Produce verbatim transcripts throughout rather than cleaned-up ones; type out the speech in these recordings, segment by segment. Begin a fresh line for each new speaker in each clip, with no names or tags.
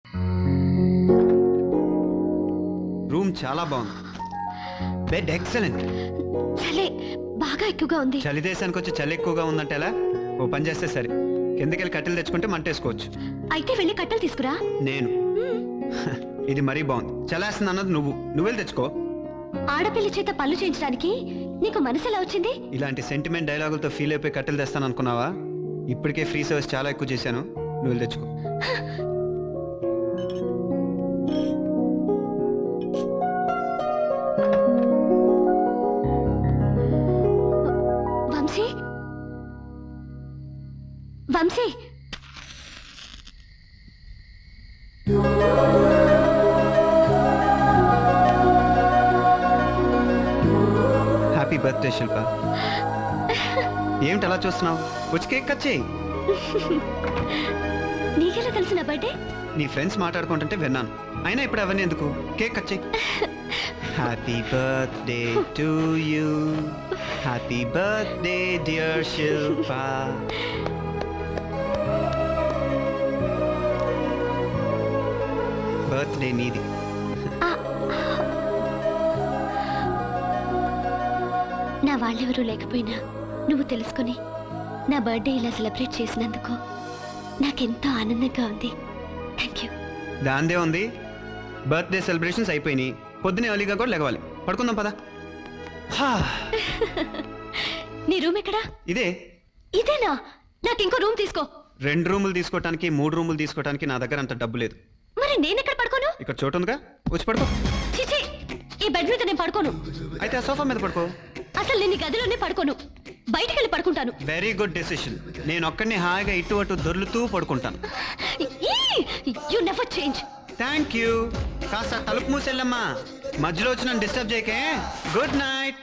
Room చాలా బాగుంది. Bed excellent.
చలే బాగా ఎక్కువగా ఉంది.
చలి దేశానికి వచ్చి చలి ఎక్కువగా ఉందంటే ఎలా? ఓ పని చేస్తే సరే, కిందకెళ్ళి కట్టెలు తెచ్చుకుంటే మంటేసుకోవచ్చు.
అయితే వెళ్ళి కట్టెలు తీసుకురా.
నేను ఇది మరీ బాగుంది. చలేస్తుంది అన్నది నువ్వు నువ్వెళ్ళి తెచ్చుకో.
ఆడపిల్లి చేత పళ్ళు చేయించడానికి నీకు మనసు ఎలా వచ్చింది?
ఇలాంటి సెంటిమెంట్ డైలాగులతో ఫీల్ అయిపోయి కట్టెలు తెస్తాను అనుకున్నావా? ఇప్పటికే ఫ్రీ సర్వీస్ చాలా ఎక్కువ చేశాను. నువ్వు వెళ్ళి తెచ్చుకో.
Vamsi Vamsi
happy birthday Shilpa. ఏమిటి అలా చూస్తున్నావు? వచ్చి కేక్ కట్ చేయి.
నీకెలా తెలిసిన బర్త్డే?
నీ ఫ్రెండ్స్ మాట్లాడుకుంటుంటే విన్నాను. అయినా ఇప్పుడు అవన్నీ ఎందుకు? కేక్ కట్ చేయి. Happy birthday to you, happy birthday dear Shilpa. Birthday నీది.
నా వాళ్ళెవరూ లేకపోయినా నువ్వు తెలుసుకుని నా బర్త్డే ఇలా సెలబ్రేట్ చేసినందుకు నాకెంతో ఆనందంగా ఉంది. Thank you.
దాందే ఉంది. బర్త్డే సెలబ్రేషన్స్ అయిపోయినాయి. పొద్దునే ఎర్లీగా కూడా లెగవాలి. పడుకుందాం పదా.
నీ రూమ్ ఎక్కడా?
ఇదే.
ఇదేనా? నాకు ఇంకో రూమ్ తీసుకో.
రెండు రూములు తీసుకోవటానికి మూడు రూములు తీసుకోవటానికి నా దగ్గర అంత డబ్బు లేదు.
మరి నేను ఎక్కడ పడుకోను?
ఇక్కడ చోటు ఉందిగా, వచ్చి పడుకో.
చిచి, ఈ బెడ్ మీద నేను పడుకోను.
అయితే ఆ సోఫా మీద పడుకో.
అసలు నేను ఈ గదిలోనే పడుకోను, బయటికి వెళ్ళి పడుకుంటాను.
Very good decision. నేను ఒక్కడిని హాయిగా ఇటు అటు దొర్లుతూ పడుకుంటాను.
You never change.
Thank you. కాస్త తలుపు మూసెళ్ళమ్మా. మధ్యలో వచ్చి నన్ను డిస్టర్బ్ చేయకే. Good night.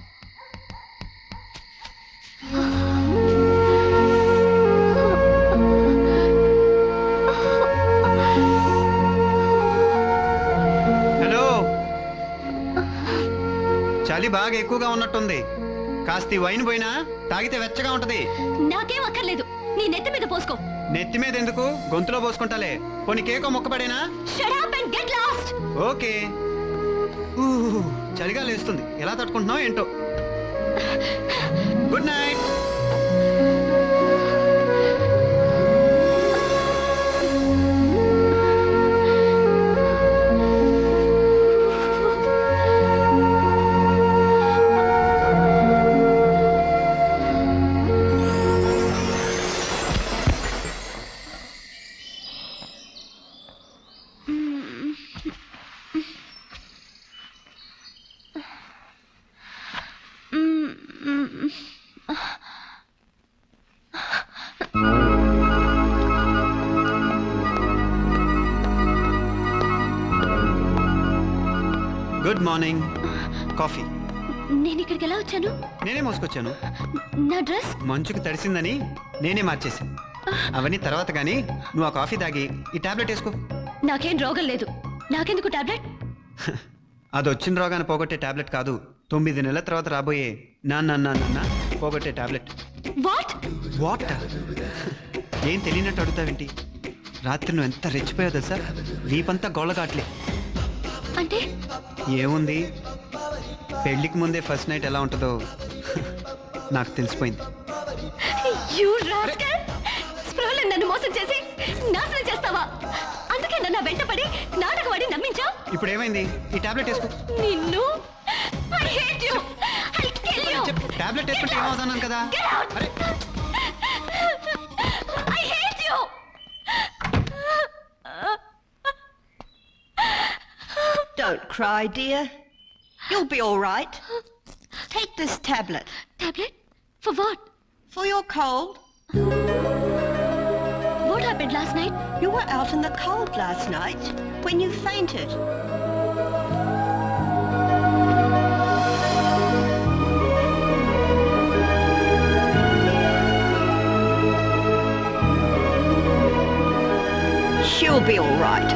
హలో. చలి బాగా ఎక్కువగా ఉన్నట్టుంది. కాస్త ఈ వైన్ పోయినా తాగితే వెచ్చగా ఉంటది.
నాకేం అక్కర్లేదు, నీ నెత్తి మీద పోసుకో.
నెత్తి మీద ఎందుకు? గొంతులో పోసుకుంటాలే. పోనీ కేకో మొక్కపడేనా?
Shut up and get lost.
Okay. చలిగా లేస్తుంది. ఎలా తట్టుకుంటున్నావు ఏంటో. Good night. Good morning. Coffee.
నేను ఇక్కడికి ఎలా వచ్చాను?
నేనే మోసుకొచ్చాను.
నా డ్రెస్
మంచుకు తడిసిందని నేనే మార్చేశాను. అవన్నీ తర్వాత కానీ నువ్వు ఆ కాఫీ తాగి ఈ టాబ్లెట్ వేసుకో.
నాకేం రోగం లేదు, నాకెందుకు టాబ్లెట్?
అది వచ్చిన రోగాన్ని పోగొట్టే టాబ్లెట్ కాదు, తొమ్మిది నెలల తర్వాత రాబోయే నాన్న నాన్న పోగొట్టే టాబ్లెట్.
What
what? ఏం తెలియనట్టు అడుగుతావేంటి? రాత్రి నువ్వు ఎంత రెచ్చిపోయావు తెలుసా? వీపంతా గోళ్ళగాట్లే.
అంటే
ఏముంది, పెళ్లికి ముందే ఫస్ట్ నైట్ ఎలా ఉంటుందో నాకు తెలిసిపోయింది.
యు రాస్కల్, స్ప్రోల్ నన్ను మోసం చేసి నాశనం చేస్తావా? అందుకే నన్ను వెంటపడి నాటకవాడి నమ్మించా.
ఇప్పుడు ఏమైంది? ఈ టాబ్లెట్ వేసుకో.
నిన్ను I hate you, I kill you.
Tablet వేసుకుంటే ఏమవుతాను కదా. అరే
I hate you.
Don't cry, dear. You'll be all right. Take this tablet.
Tablet? For what?
For your cold.
What happened last night?
You were out in the cold last night when you fainted. She'll be all right.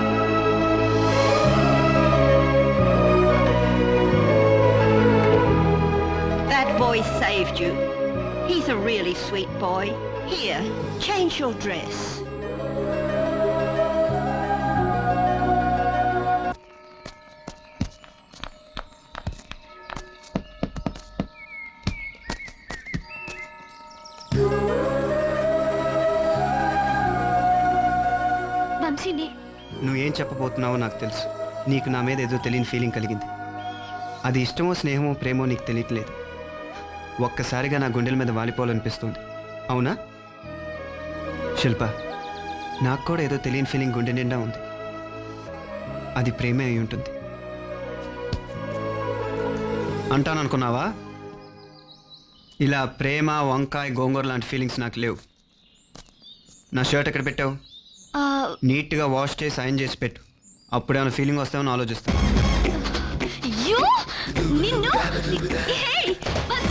Boy saved you. He's a really sweet boy. Here, change your dress.
వంశీని.
నువ్వేం చెప్పబోతున్నావో నాకు తెలుసు. నీకు నా మీద ఏదో తెలియని feeling కలిగింది. అది ఇష్టమో స్నేహమో ప్రేమో నీకు తెలియట్లేదు. ఒక్కసారిగా నా గుండెల మీద వాలిపోవాలనిపిస్తుంది. అవునా శిల్ప? నాకు కూడా ఏదో తెలియని ఫీలింగ్ గుండె నిండా ఉంది. అది ప్రేమే అయి ఉంటుంది అంటాననుకున్నావా? ఇలా ప్రేమ, వంకాయ, గోంగూర లాంటి ఫీలింగ్స్ నాకు లేవు. నా షర్ట్ ఎక్కడ పెట్టావు?
ఆ,
నీట్గా వాష్ చేసి సైన్ చేసి పెట్టు. అప్పుడేమైనా ఫీలింగ్ వస్తామని ఆలోచిస్తాను.
you? నిన్ను? Hey, వంశీ!